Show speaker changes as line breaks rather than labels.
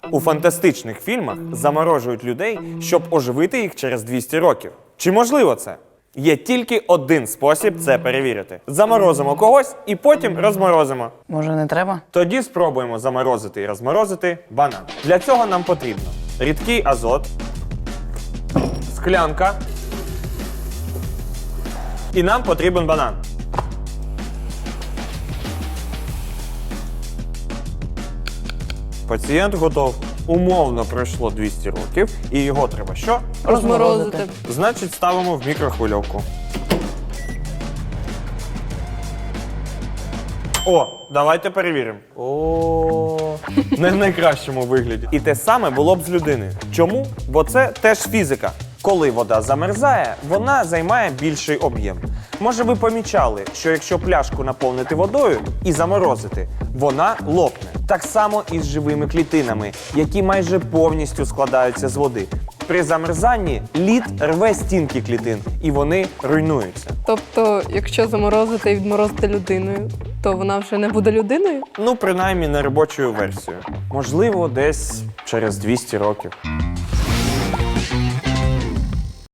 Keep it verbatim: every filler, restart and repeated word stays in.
У фантастичних фільмах заморожують людей, щоб оживити їх через двісті років. Чи можливо це? Є тільки один спосіб це перевірити. Заморозимо когось і потім розморозимо.
Може, не треба?
Тоді спробуємо заморозити і розморозити банан. Для цього нам потрібно рідкий азот, склянка і нам потрібен банан. Пацієнт готов. Умовно пройшло двісті років, і його треба що?
Розморозити.
Значить, ставимо в мікрохвильовку. О, давайте перевіримо. О, не в найкращому вигляді. І те саме було б з людиною. Чому? Бо це теж фізика. Коли вода замерзає, вона займає більший об'єм. Може, ви помічали, що якщо пляшку наповнити водою і заморозити, вона лопне. Так само і з живими клітинами, які майже повністю складаються з води. При замерзанні лід рве стінки клітин, і вони руйнуються.
Тобто, якщо заморозити і відморозити людиною, то вона вже не буде людиною?
Ну, принаймні, не робочою версією. Можливо, десь через двісті років.